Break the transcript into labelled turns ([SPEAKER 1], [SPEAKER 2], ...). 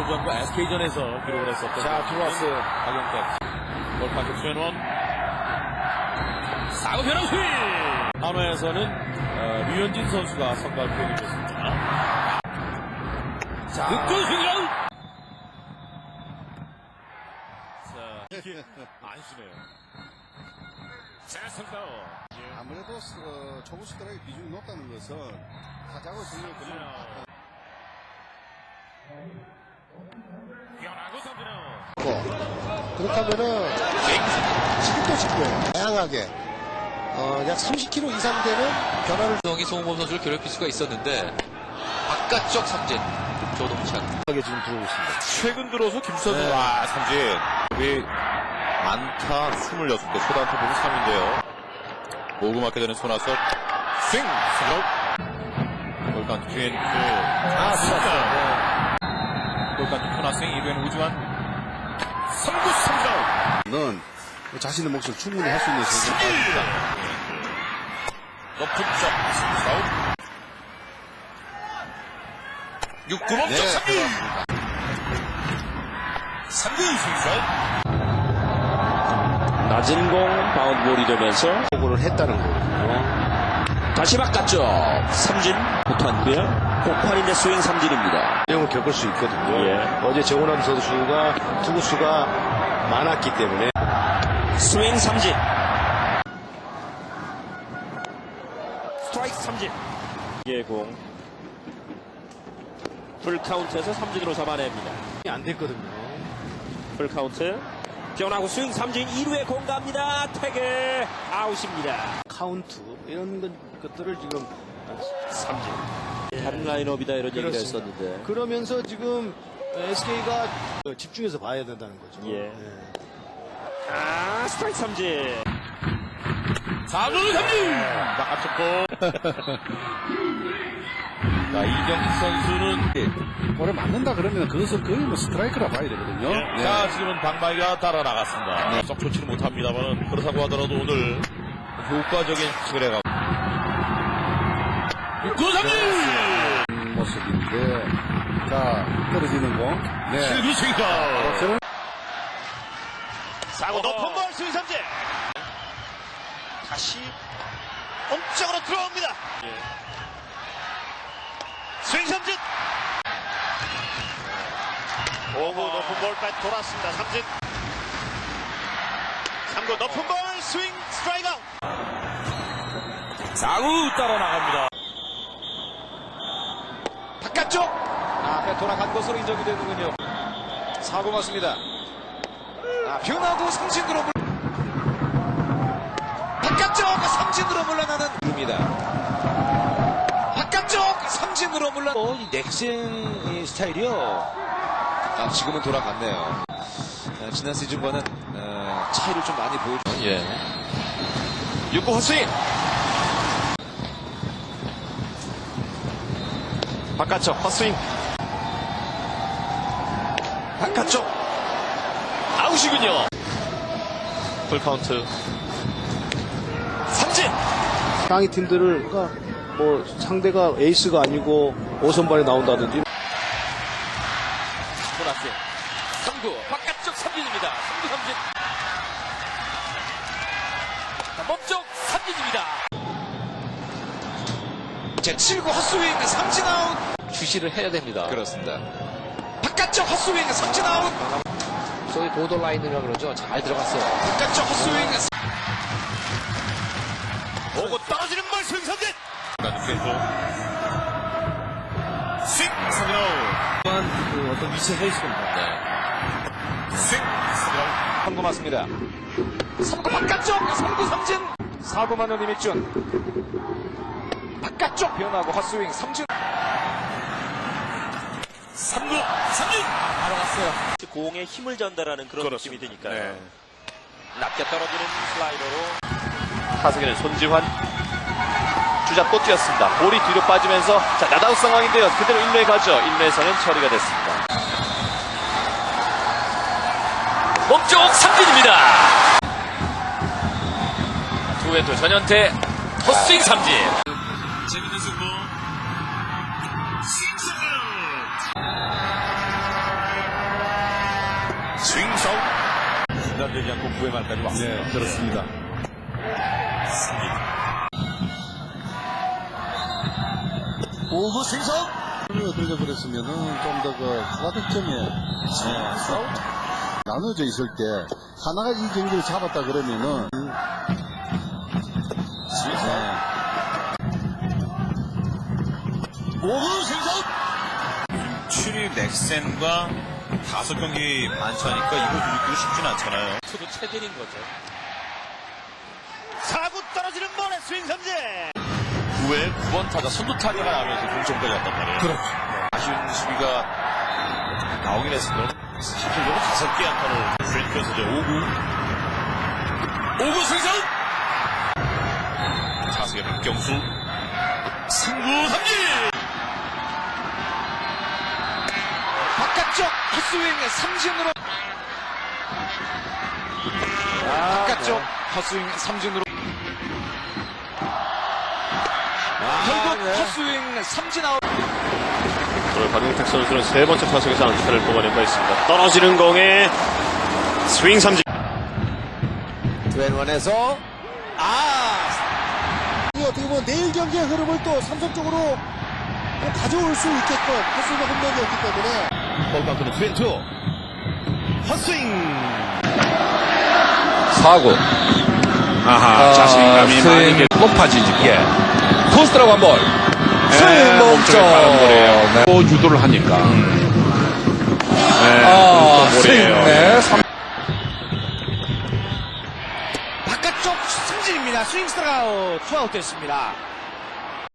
[SPEAKER 1] 광고주한과 SK전에서 기록을 했었던.
[SPEAKER 2] 자, 들어왔어요.
[SPEAKER 1] 박영택. 골파트 최원원. 사구 변화 스윙! 한화에서는 류현진 선수가 선발 표현이 됐습니다.
[SPEAKER 2] 자,
[SPEAKER 1] 득점 스윙이라우! 자, 이게 안 쉬네요. 자, 선다운.
[SPEAKER 2] 아무래도 초구 스트라이크 비중이 높다는 것은 타자고 정말 그냥
[SPEAKER 1] 변하고 삼진아웃.
[SPEAKER 3] 그렇다면은 지금도 지금 다양하게 약 30km 이상 되는 변화를
[SPEAKER 4] 성이 송범 선수를 괴롭힐 수가 있었는데 바깥쪽 삼진 조동찬
[SPEAKER 3] 하게 지금 들어오고 있습니다.
[SPEAKER 5] 최근 들어서 김수찬 선수 삼진 우리 안타 26개 초단타 보면 3인데요. 모금하게 되는 손아섭 스윙 스윙 골간 뒤엔 골간 코나 스윙 2루에는 우주환 3구 3아웃
[SPEAKER 2] 는 자신의 몫을 충분히 할 수 있는 선수입니다.
[SPEAKER 5] 높은 점 3아웃 6구 멈춰 3구 3구 스윙
[SPEAKER 6] 낮은 공 바운드볼이 되면서
[SPEAKER 3] 보고를 했다는 거거든요.
[SPEAKER 6] 다시 바깥쪽 삼진 못한고요. 폭발인데 스윙 삼진입니다.
[SPEAKER 3] 내용을 겪을 수 있거든요.
[SPEAKER 6] 예.
[SPEAKER 3] 어제 정원함 선수가 투구수가 많았기 때문에
[SPEAKER 6] 스윙 삼진. 스트라이크 삼진. 예공 풀카운트에서 삼진으로 잡아냅니다.
[SPEAKER 3] 안 됐거든요.
[SPEAKER 6] 풀카운트 변하고 스윙 삼진 2루에 공 갑니다. 태그 아웃입니다.
[SPEAKER 3] 카운트 이런 것들을 지금
[SPEAKER 6] 삼진. 다른 라인업이다 이런 얘기를
[SPEAKER 3] 그렇습니다.
[SPEAKER 6] 했었는데
[SPEAKER 3] 그러면서 지금 SK가 집중해서 봐야 된다는 거죠.
[SPEAKER 6] 예. 스트라이크 삼진.
[SPEAKER 1] 4루 삼진! 바깥쪽 공. 자, 이경식 선수는
[SPEAKER 2] 볼에 맞는다 그러면 그것은 거의 뭐 스트라이크라 봐야 되거든요.
[SPEAKER 1] 자, 지금은 방망이가 따라 나갔습니다. 썩 좋지는 못합니다만 그렇다고 하더라도 오늘 효과적인 피칭을 해가고 6구 삼진!
[SPEAKER 2] 모습인데, 자, 떨어지는 공. 네.
[SPEAKER 1] 7구 스윙아웃!
[SPEAKER 2] 저는
[SPEAKER 4] 사고 높은 볼 스윙 삼진 다시 엉쪽으로 들어옵니다. 스윙 삼진 5구 높은 볼 백 돌았습니다. 삼진 3구 높은 볼 스윙 스트라이크 아웃
[SPEAKER 1] 4구 따라 나갑니다.
[SPEAKER 4] 바깥쪽 앞에 돌아간 것으로 인정이 되는군요. 4구 맞습니다. 변화구 삼진으로 바깥쪽 삼진으로 물러나는 입니다. 바깥쪽 삼진으로 물러.
[SPEAKER 3] 이 넥센 스타일이요.
[SPEAKER 4] 지금은 돌아갔네요. 지난 시즌과는 차이를 좀 많이 보여주죠. 예. 6구 헛스윙. 바깥쪽 헛스윙. 바깥쪽 아웃이군요. 풀카운트 삼진.
[SPEAKER 3] 상위 팀들을 뭐 상대가 에이스가 아니고 5선발에 나온다든지
[SPEAKER 4] 보너스 3구 바깥쪽 삼진입니다. 3구 삼진. 몸쪽 삼진입니다. 제 7구 헛스윙 삼진 아웃. 주시를 해야 됩니다. 그렇습니다. 바깥쪽 헛스윙 삼진 아웃. 소위 보더라인이라고 그러죠. 잘 들어갔어요. 바깥쪽 헛스윙. 오고 떨어지는 볼 스윙 삼진.
[SPEAKER 1] 스윙 삼진 아웃.
[SPEAKER 3] 어떤 위치 헤이스입니다.
[SPEAKER 1] 스윙 삼진 아웃.
[SPEAKER 4] 3구 맞습니다. 3구 바깥쪽 3구 삼진. 4구 만원 이미준 바깥쪽 변하고 헛스윙 삼진.
[SPEAKER 1] 3구 삼진! 바로 갔어요.
[SPEAKER 6] 공에 힘을 전달하는 그런 느낌이 드니까요.
[SPEAKER 4] 낮게 떨어지는 슬라이더로 타석에는 손지환 주자 또 뛰었습니다. 볼이 뒤로 빠지면서 자 나다웃 상황인데요. 그대로 1루에 가죠. 1루에서는 처리가 됐습니다. 몸쪽 삼진입니다. 투앤투 전현태 헛스윙 삼진.
[SPEAKER 1] 재밌는 승부. 스윙 삼진 아웃! 스윙성 중단되지 않고 9회 말까지 왔습니다.
[SPEAKER 2] 네, 그렇습니다.
[SPEAKER 3] 오구 승성.
[SPEAKER 2] 들려 그랬으면은 좀 더 그 타득점에 나눠져 있을 때 하나가 이 경기를 잡았다 그러면은
[SPEAKER 3] 오구 승성.
[SPEAKER 5] 7위 넥센과 5경기 만차니까 이거 이기기 쉽진 않잖아요.
[SPEAKER 4] 투도 체들인 거죠.
[SPEAKER 3] 4구 떨어지는 볼에 스윙 삼진.
[SPEAKER 1] 9회 9번 타자 선두 타자가 나면서 동점까지 왔단 말이에요. 그렇죠. 아쉬운 수비가 나오긴 했으면 실질적으로 5개 안타를 주행하면서 5구 승선! 타석의 박경수 승부 삼진!
[SPEAKER 3] 바깥쪽 헛스윙 삼진으로. 바깥쪽 헛스윙 삼진으로. 결국 헛스윙 삼진 아웃.
[SPEAKER 4] 오늘 박용택 선수는 세 번째 타석에서 안타를 뽑아낸 바 있습니다. 떨어지는 공에 스윙 삼진.
[SPEAKER 3] 왼원에서 어떻게 보면 내일 경기의 흐름을 또 삼성 쪽으로 가져올 수 있게끔 헛스윙 홈런이었기 때문에. 볼카운트는 스윙 투. 헛스윙.
[SPEAKER 7] 4구. 자신감이 많이 높아지지. 토스트라고 한 볼. 스윙 몸쪽. 또 유도를 하니까. 스윙.
[SPEAKER 3] 바깥쪽 승진입니다. 스윙 스트라이크 투아웃 됐습니다.